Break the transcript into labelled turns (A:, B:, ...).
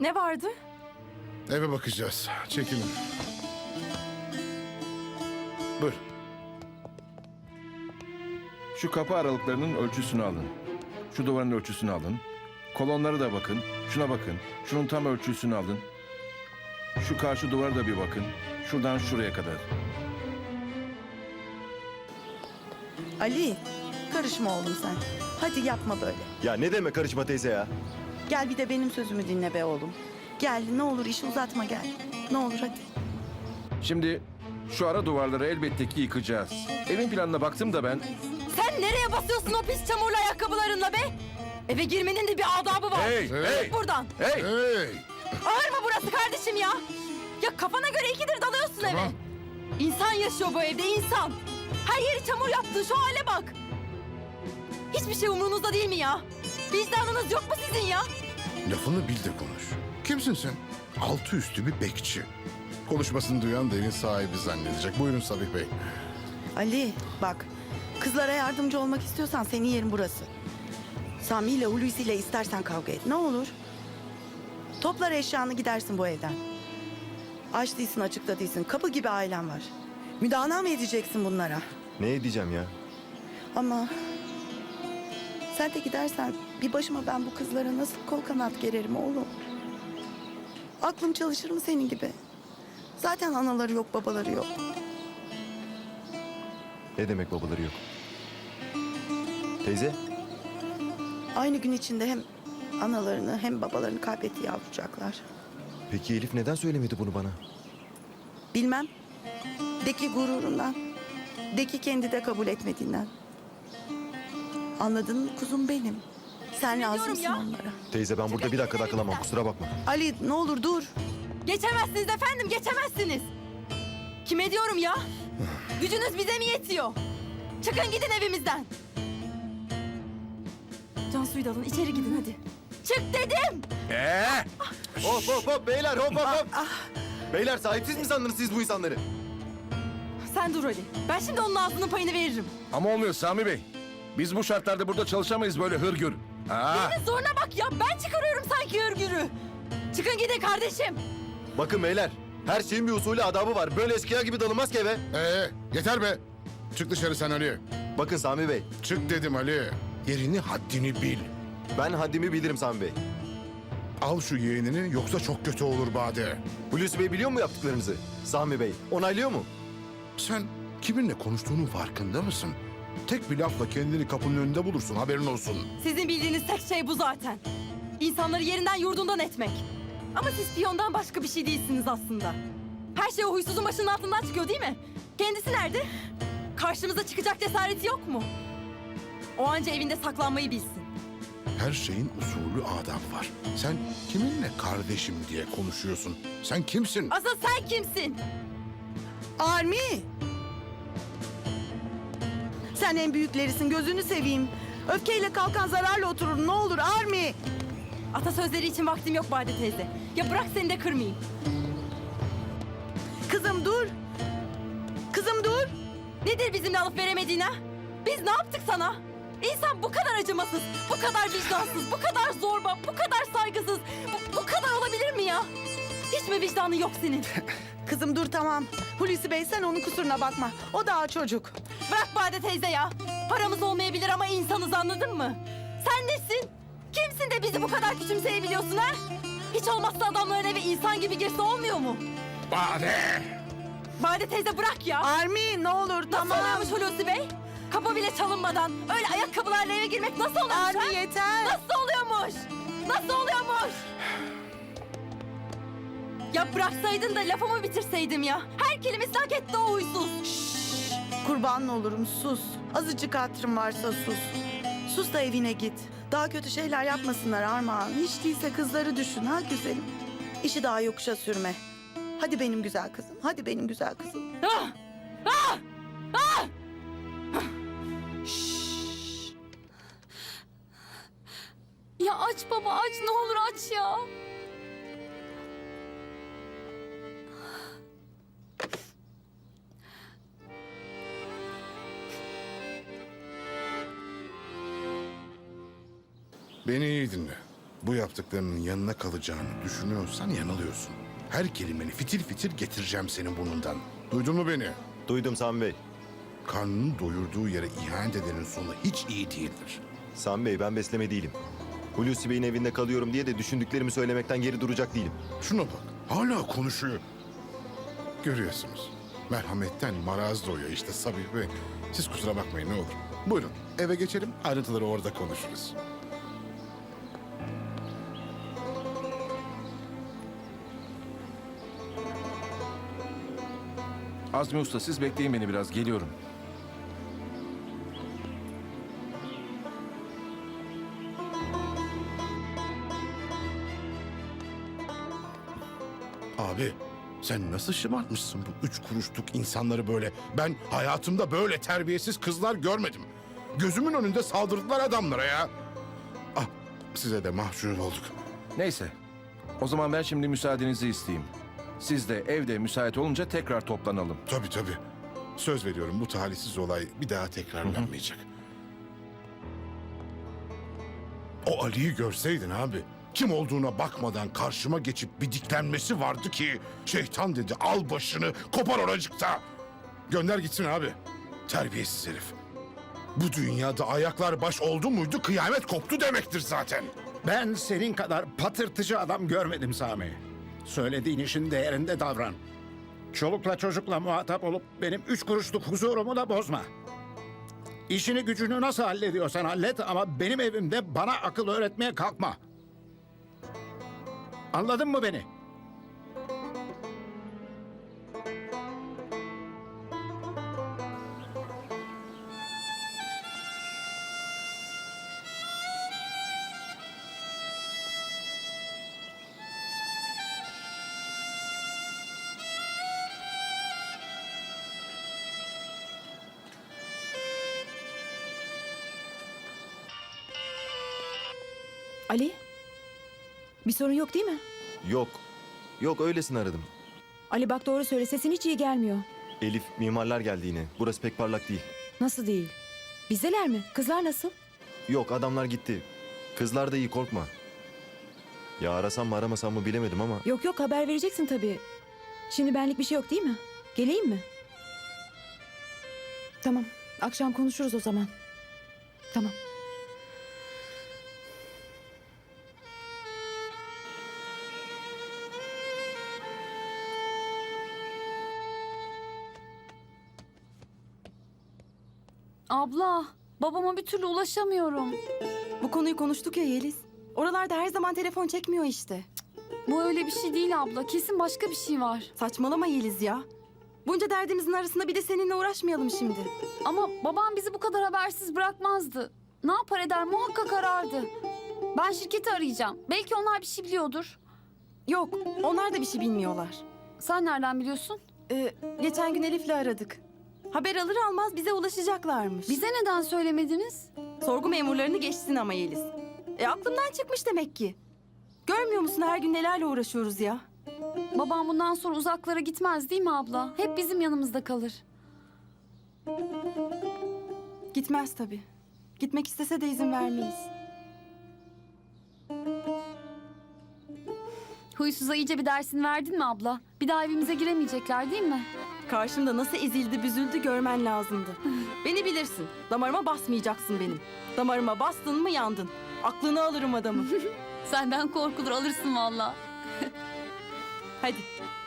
A: Ne vardı?
B: Eve bakacağız. Çekilin. Buyur.
C: Şu kapı aralıklarının ölçüsünü alın. Şu duvarın ölçüsünü alın. Kolonlara da bakın. Şuna bakın. Şunun tam ölçüsünü alın. Şu karşı duvara da bir bakın. Şuradan şuraya kadar.
D: Ali, karışma oğlum sen. Hadi yapma böyle.
E: Ya ne demek karışma teyze ya?
D: Gel bir de benim sözümü dinle be oğlum. Gel ne olur işi uzatma gel. Ne olur hadi.
C: Şimdi şu ara duvarları elbette ki yıkacağız. Evin planına baktım da ben...
A: Sen nereye basıyorsun o pis çamurlu ayakkabılarınla be? Eve girmenin de bir adabı var.
C: Hey, hey!
A: Git buradan.
C: Hey!
B: Hey!
A: Ağır mı burası kardeşim ya? Ya kafana göre ikidir dalıyorsun
B: Tamam.
A: eve. İnsan yaşıyor bu evde, insan. Her yeri çamur yaptın, şu hale bak. Hiçbir şey umurunuzda değil mi ya? Vicdanınız yok mu sizin ya?
B: Lafını bil de konuş. Kimsin sen? Altı üstü bir bekçi. Konuşmasını duyan da evin sahibi zannedecek. Buyurun Sabih Bey.
D: Ali bak kızlara yardımcı olmak istiyorsan senin yerin burası. Sami ile Hulusi ile istersen kavga et ne olur. Toplar eşyanı gidersin bu evden. Aç değilsin açıkta değilsin kapı gibi ailen var. Müdana mı edeceksin bunlara?
E: Ne edeceğim ya?
D: Ama sen de gidersen bir başıma ben bu kızlara nasıl kol kanat gererim oğlum? Aklım çalışır mı senin gibi? Zaten anaları yok babaları yok.
E: Ne demek babaları yok? Teyze?
D: Aynı gün içinde hem analarını hem babalarını kaybetti yavrucaklar.
E: Peki Elif neden söylemedi bunu bana?
D: Bilmem. De ki gururundan. De ki kendi de kabul etmediğinden. Anladın mı kuzum benim? Sen
A: diyorum
D: lazımsın
A: ya?
D: onlara.
E: Teyze ben burada bir dakika kalamam kusura bakma.
D: Ali ne olur dur.
A: Geçemezsiniz efendim, geçemezsiniz. Kime diyorum ya? Gücünüz bize mi yetiyor? Çıkın gidin evimizden. Cansu'yu da alın, içeri gidin hadi. Çık dedim.
E: Hop hop hop beyler hop hop hop. Beyler sahipsiz mi sandınız siz bu insanları?
A: Sen dur Ali. Ben şimdi onun ağzının payını veririm.
C: Ama olmuyor Sami Bey. Biz bu şartlarda burada çalışamayız böyle hırgür. Ha?
A: Senin zoruna bak ya. Ben çıkarıyorum sanki örgürü. Çıkın gidin kardeşim.
E: Bakın beyler her şeyin bir usulü adabı var. Böyle eskiya gibi dalınmaz ki eve.
B: Yeter be. Çık dışarı sen Ali.
E: Bakın Sami Bey
B: Çık dedim Ali. Yerini haddini bil.
E: ben haddimi bilirim Sami Bey.
B: Al şu yeğenini yoksa çok kötü olur Bade.
E: Hulusi Bey biliyor mu yaptıklarınızı? Sami Bey onaylıyor mu?
B: Sen kiminle konuştuğunun farkında mısın? Tek bir lafla kendini kapının önünde bulursun haberin olsun.
A: Sizin bildiğiniz tek şey bu zaten. İnsanları yerinden yurdundan etmek. Ama siz piyondan başka bir şey değilsiniz aslında. Her şey o huysuzun başının altından çıkıyor değil mi? Kendisi nerede? Karşımıza çıkacak cesareti yok mu? O anca evinde saklanmayı bilsin.
B: Her şeyin usulü adab var. Sen kiminle kardeşim diye konuşuyorsun? Sen kimsin?
A: Asıl sen kimsin?
D: Armi. Sen en büyüklerisin gözünü seveyim. Öfkeyle kalkan zararla oturur ne olur Armi.
A: Atasözleri için vaktim yok Bade teyze. Ya bırak seni de kırmayayım.
D: Kızım dur. Kızım dur.
A: Nedir bizimle alıp veremediğin ha? Biz ne yaptık sana? İnsan bu kadar acımasız, bu kadar vicdansız, bu kadar zorba, bu kadar saygısız, bu kadar olabilir mi ya? Hiç mi vicdanın yok senin?
D: Kızım dur tamam. Hulusi Bey sen onun kusuruna bakma. O daha çocuk.
A: Bırak Bade teyze ya. Paramız olmayabilir ama insanız anladın mı? Sen nesin? Kimsin de bizi bu kadar küçümseyebiliyorsun ha? Hiç olmazsa adamların eve insan gibi girse olmuyor mu?
B: Bade!
A: Bade teyze bırak ya.
D: Armi ne olur
A: Nasıl
D: tamam.
A: oluyormuş Hulusi Bey? Kapı bile çalınmadan öyle ayakkabılarla eve girmek nasıl oluyormuş ha?
D: Armi yeter.
A: Nasıl oluyormuş? Nasıl oluyormuş? Ya bıraksaydın da lafımı bitirseydim ya. Her kelimesini hak etti o huysuz.
D: Kurban olurum sus. Azıcık hatırım varsa sus. Sus da evine git. Daha kötü şeyler yapmasınlar Armağan. Hiç değilse kızları düşün ha güzelim. İşi daha yokuşa sürme. Hadi benim güzel kızım. Hadi benim güzel kızım.
A: Ah! Ah! Ah! Ya aç baba aç ne olur aç ya.
B: Beni iyi dinle. Bu yaptıklarının yanına kalacağını düşünüyorsan yanılıyorsun. Her kelimeni fitil fitil getireceğim senin burnundan. Duydun mu beni?
E: Duydum Sami Bey.
B: Karnının doyurduğu yere ihanet edenin sonu hiç iyi değildir.
E: Sami Bey ben besleme değilim. Hulusi Bey'in evinde kalıyorum diye de düşündüklerimi söylemekten geri duracak değilim.
B: Şuna bak, hala konuşuyor. Görüyorsunuz, merhametten maraz doğuyor işte Sabih Bey. Siz kusura bakmayın ne olur. Buyurun, eve geçelim, ayrıntıları orada konuşuruz.
C: Azmi Usta siz bekleyin beni biraz, geliyorum.
B: Abi, sen nasıl şımartmışsın bu 3 kuruşluk insanları böyle? Ben hayatımda böyle terbiyesiz kızlar görmedim. Gözümün önünde saldırdılar adamlara ya. Ah, size de mahcup olduk.
C: Neyse, o zaman ben şimdi müsaadenizi isteyeyim. Siz de evde müsait olunca tekrar toplanalım.
B: Tabii tabii. Söz veriyorum bu talihsiz olay bir daha tekrarlanmayacak. O Ali'yi görseydin abi. Kim olduğuna bakmadan karşıma geçip bir diklenmesi vardı ki... ...şeytan dedi al başını kopar oracıkta. Gönder gitsin abi. Terbiyesiz herif. Bu dünyada ayaklar baş oldu muydu kıyamet koptu demektir zaten.
F: Ben senin kadar patırtıcı adam görmedim Sami. Söylediğin işin değerinde davran. Çolukla çocukla muhatap olup benim 3 kuruşluk huzurumu da bozma. İşini gücünü nasıl hallediyorsan hallet ama benim evimde bana akıl öğretmeye kalkma. Anladın mı beni?
G: Ali, bir sorun yok değil mi?
E: Yok. Yok öylesine aradım.
G: Ali bak doğru söyle, sesin hiç iyi gelmiyor.
E: Elif mimarlar geldi yine. Burası pek parlak değil.
G: Nasıl değil? Bizdeler mi? Kızlar nasıl?
E: Yok adamlar gitti. Kızlar da iyi korkma. Ya arasam mı aramasam mı bilemedim ama.
G: Yok yok, haber vereceksin tabii. Şimdi benlik bir şey yok değil mi? Geleyim mi? Tamam, akşam konuşuruz o zaman. Tamam.
A: Abla, babama bir türlü ulaşamıyorum.
D: Bu konuyu konuştuk ya Yeliz. Oralarda her zaman telefon çekmiyor işte.
A: Bu öyle bir şey değil abla. Kesin başka bir şey var.
D: Saçmalama Yeliz ya. Bunca derdimizin arasında bir de seninle uğraşmayalım şimdi.
A: Ama babam bizi bu kadar habersiz bırakmazdı. Ne yapar eder muhakkak arardı. Ben şirketi arayacağım. Belki onlar bir şey biliyordur.
D: Yok, onlar da bir şey bilmiyorlar.
A: Sen nereden biliyorsun?
D: Geçen gün Elif'le aradık. Haber alır almaz bize ulaşacaklarmış.
A: Bize neden söylemediniz?
D: Sorgu memurlarını geçsin ama Yeliz. Aklımdan çıkmış demek ki. Görmüyor musun her gün nelerle uğraşıyoruz ya?
A: Babam bundan sonra uzaklara gitmez değil mi abla? Hep bizim yanımızda kalır.
D: Gitmez tabii. Gitmek istese de izin vermeyiz.
A: Huysuza iyice bir dersini verdin mi abla? Bir daha evimize giremeyecekler değil mi?
D: Karşımda nasıl ezildi büzüldü görmen lazımdı. Beni bilirsin. Damarıma basmayacaksın benim. Damarıma bastın mı yandın. Aklını alırım adamı.
A: Senden korkulur alırsın valla.
D: Hadi